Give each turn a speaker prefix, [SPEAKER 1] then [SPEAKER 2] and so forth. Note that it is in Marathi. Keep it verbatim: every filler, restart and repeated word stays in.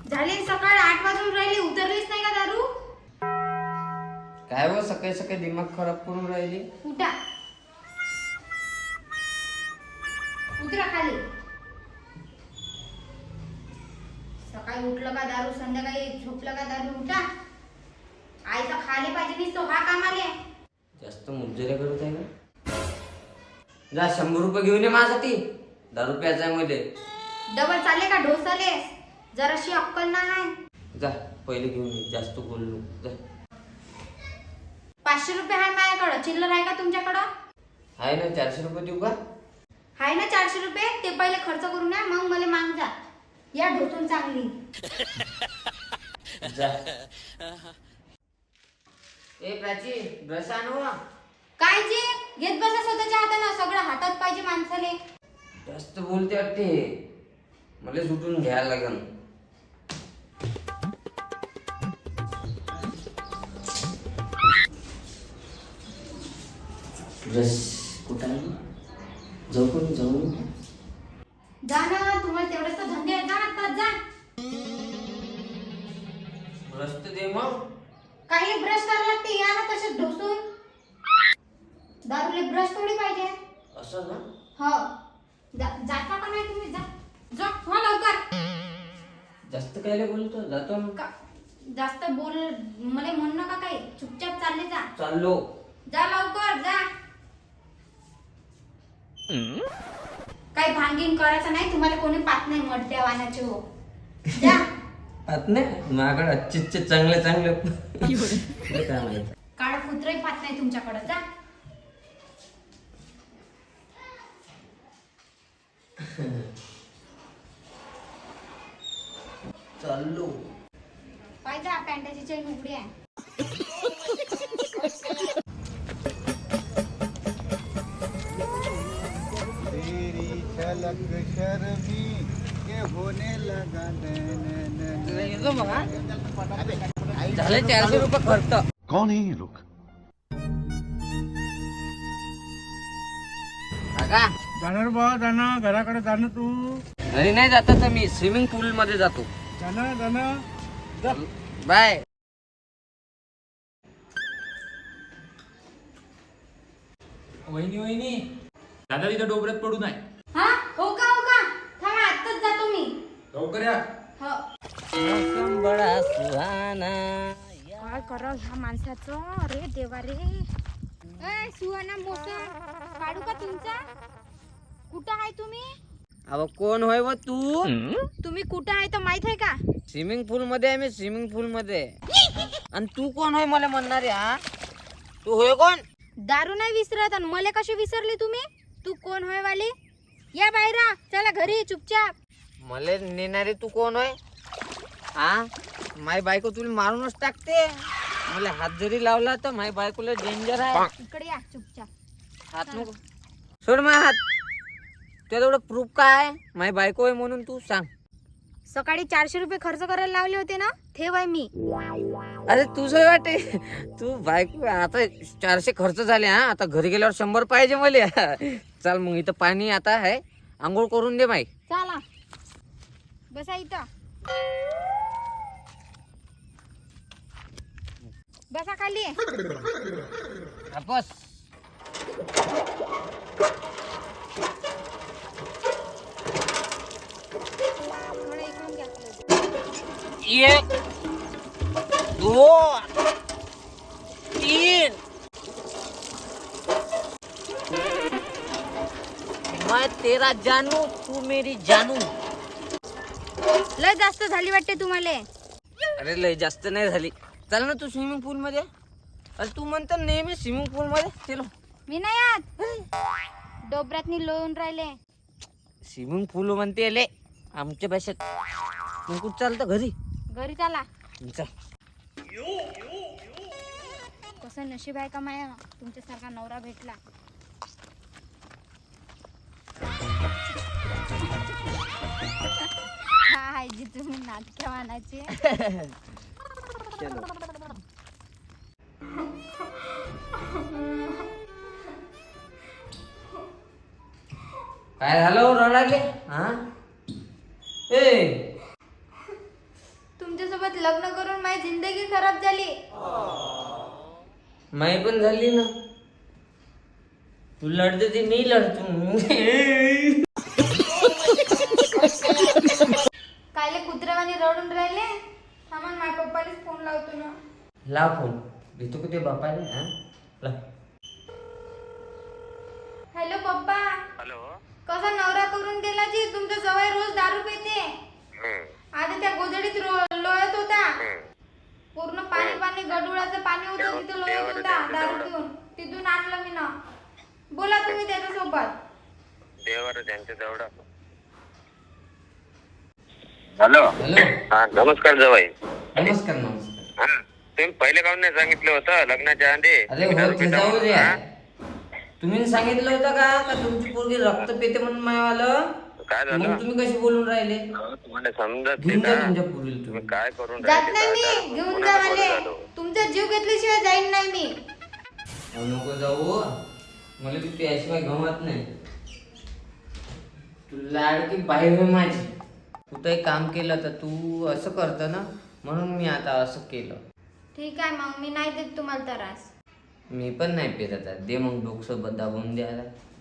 [SPEAKER 1] झाले सकाळ आठ वाजून राहिले, उतरलीच नाही का दारू?
[SPEAKER 2] काय हो सकाळी सकाळी दिमाग खराब करून राहिली.
[SPEAKER 1] उठा, उतरा खाली. सकाळी उठलं का दारू, संध्याकाळी झोपलं का दारू. उठा, आईचा खाली पाहिजे नाही तो हा कामाले.
[SPEAKER 2] जास्त मुजरे करत आहे का? जा शंभर रुपये घेऊन ये माझ्यासाठी. दारू प्यायचा आहे मध्ये.
[SPEAKER 1] डबल चालले का ढोसाले? जराशी अक्कल नाही.
[SPEAKER 2] जा पहिले घेऊन ये, जास्त बोललो. जा.
[SPEAKER 1] पाचशे रुपये आहे माझ्याकडं, चिल्लर आहे का तुमच्याकडं?
[SPEAKER 2] आहे ना, चारशे रुपये देऊ का?
[SPEAKER 1] आहे ना चारशे रुपये, ते पहिले खर्च करून या, मग मला माग जा. या ढोसून चांगली.
[SPEAKER 2] जा. ए प्राची, ब्रश आणू.
[SPEAKER 1] काय जे घेत बसा स्वतःच्या हातानं, सगळं हातात पाहिजे माणसाले.
[SPEAKER 2] जास्त बोलते वाटते, मला सुटून घ्यायला लागेल. ब्रश कुठं आहे? जाऊ पण जाऊ.
[SPEAKER 1] जा ना, तुम्हाला तेवढेच तर धंदे आहेत, जा आत्ताच जा.
[SPEAKER 2] ब्रश तर दे मग.
[SPEAKER 1] काही ब्रश करायला लागते, या ना तसेच ढोसून. दारूले ब्रश थोडी पाहिजे.
[SPEAKER 2] असं ना?
[SPEAKER 1] हो, जा- जाता का नाही तुम्ही? जा जा, हो लवकर.
[SPEAKER 2] जास्त कायले बोलतो, जातो ना.
[SPEAKER 1] का जास्त बोल मला म्हणू नका, काही चुपचाप चालले जा.
[SPEAKER 2] चाललो.
[SPEAKER 1] जा लवकर जा. काही भांगीन करायचं नाही, तुम्हाला कोणी पात नाही मडत्या वाहनाचे. हो जा.
[SPEAKER 2] पाहत नाही माझ्याकडे अच्छे चांगले चांगले. काय माहिती
[SPEAKER 1] काळा कुत्रही पात नाही तुमच्याकडे. जा.
[SPEAKER 2] चाललो.
[SPEAKER 1] पाहिजे पॅन्टाची चैन उघडी आहे.
[SPEAKER 3] तेरी झलक शर्मी ये होने लगा
[SPEAKER 2] झाले चारशे रुपये खर्च.
[SPEAKER 3] कौन है ये लोग?
[SPEAKER 2] काका
[SPEAKER 3] जाणार बा, जाणं घराकडे जाणं. तू
[SPEAKER 2] घरी नाही जात तर मी स्विमिंग पूल मध्ये जातो.
[SPEAKER 3] जाणं जाणं जा.
[SPEAKER 2] बाय.
[SPEAKER 4] वहिनी वहिनी दादा तिथं डोबऱ्यात पडू नये.
[SPEAKER 1] हा हो का, हो का, थांबा आत्ताच जातो मी.
[SPEAKER 4] लवकर या.
[SPEAKER 1] हो.
[SPEAKER 2] मौसम बडा सुहाना.
[SPEAKER 1] काय करा ह्या माणसाचं, अरे देवा रे. ए सुहाना मोसम काढू का तुमचा? कुठं आहे तुम्ही?
[SPEAKER 2] अहो कोण होय व तू?
[SPEAKER 1] तुम्ही कुठं आहे तर माहित आहे का?
[SPEAKER 2] स्विमिंग पूल मध्ये आहे मी, स्विमिंग पूल मध्ये. आणि तू कोण होय मला म्हणणार आहे? हा तू होय कोण?
[SPEAKER 1] दारू नाही विसरत आणि मला कशी विसरली तुम्ही? तू कोण होय वाली? या बाहेर, चला घरी चुपचाप.
[SPEAKER 2] मला नेणारे तू कोण होय? हा माय बायको तुला मारूनच टाकते. मला हात जरी लावला तर माय बायकोला डेंजर आहे.
[SPEAKER 1] इकडे या चुपचाप.
[SPEAKER 2] हात नको सोड माझा हात. तुझ्या एवढं प्रूफ काय? माय बायको आहे म्हणून तू सांग.
[SPEAKER 1] सकाळी चारशे रुपये खर्च करायला लावले होते ना, ठेव आहे मी.
[SPEAKER 2] अरे तुझं वाटे तू बायको. आता चारशे खर्च झाले. हा आता घरी गेल्यावर शंभर पाहिजे मला. चल मग इथं पाणी आता आहे, आंघोळ करून दे माई.
[SPEAKER 1] चला बसा इथं. बसा खाली.
[SPEAKER 2] बस.
[SPEAKER 1] थोडं इकडून घ्या.
[SPEAKER 2] एक दोन तीन. मैं तेरा जानू, तू मेरी जानू.
[SPEAKER 1] लय जास्त झाली वाटते तुम्हाला.
[SPEAKER 2] अरे लय जास्त नाही झाली. चल ना तू स्विमिंग पूल मध्ये. अरे तू म्हणतो नेहमी स्विमिंग पूल मध्ये. चलो.
[SPEAKER 1] मी नाही आत, डोबऱ्यातनी लोळून राहिले.
[SPEAKER 2] स्विमिंग पूल म्हणते ले आमच्या भाषेत. मग कुठं चालतं? घरी.
[SPEAKER 1] घरी चला.
[SPEAKER 2] चल.
[SPEAKER 1] कसं नशीब आहे का माया, तुमच्यासारखा नवरा भेटला. हा आहे जी तुम्ही नाटक्या मानाचे.
[SPEAKER 2] चलो. काय झालं रडाले? हा ए
[SPEAKER 1] लग्न करून माझी जिंदगी खराब झाली.
[SPEAKER 2] माई पण झाली ना. तू लढते ते मी लढतो.
[SPEAKER 1] कायले कुत्र्यावानी रडून राहिले. थांबा माझ्या पप्पानेच फोन लावतो ना.
[SPEAKER 2] ला फोन देतो का ते बापाने? हा ला.
[SPEAKER 1] हॅलो पप्पा.
[SPEAKER 5] हॅलो.
[SPEAKER 1] कसा नवरा करून दिला जी. तुमचा जवळ रोज दारू पिते. आता त्या गोधडीत रो- लोळत होता. पूर्ण पाणी पाणी गडुळाचं पाणी होतं तिथे लोळत होता दारू पिऊन. तिथून आणलं मी ना. बोला तुम्ही त्याच्यासोबत.
[SPEAKER 5] देवर त्यांच्या जवळ. हॅलो.
[SPEAKER 2] हॅलो.
[SPEAKER 5] हा नमस्कार जवाई.
[SPEAKER 2] नमस्कार नमस्कार.
[SPEAKER 5] हा तुम्ही पहिले काऊन नाही सांगितलं होतं लग्नाच्या आधी?
[SPEAKER 2] अरे हो ते जाऊ द्या. तुम्ही सांगितलं होतं का का तुमची पोरगी रक्त पेते म्हणून मायावालं?
[SPEAKER 5] काय झालं?
[SPEAKER 2] मग तुम्ही कशी बोलून राहिले?
[SPEAKER 5] तुम्हाला समजत
[SPEAKER 2] घेऊन जा
[SPEAKER 5] नाही
[SPEAKER 2] तुमच्या
[SPEAKER 5] ना.
[SPEAKER 2] पोरीला
[SPEAKER 5] तुम्ही
[SPEAKER 2] तुम्ही.
[SPEAKER 5] काय करून
[SPEAKER 1] जात
[SPEAKER 5] राहिले?
[SPEAKER 1] नाही
[SPEAKER 5] दादा,
[SPEAKER 1] मी. घेऊन
[SPEAKER 5] कोणाला
[SPEAKER 1] जा
[SPEAKER 5] बोलत
[SPEAKER 1] मला.
[SPEAKER 5] आलो?
[SPEAKER 1] तुमचा जीव घेतल्याशिवाय जाईन नाही मी.
[SPEAKER 2] अहो, नको जाऊ. मला तू त्याशिवाय गमत नाही. तू लाडकी बाई होय माझी. कुठं एक काम केलं तर तू असं करतं ना, म्हणून मी आता असं केलं.
[SPEAKER 1] ठीक आहे मग मी नाही देत तुम्हाला त्रास.
[SPEAKER 2] मी पण नाही पेरत आहे. दे मग डोकं दाबून द्यायला.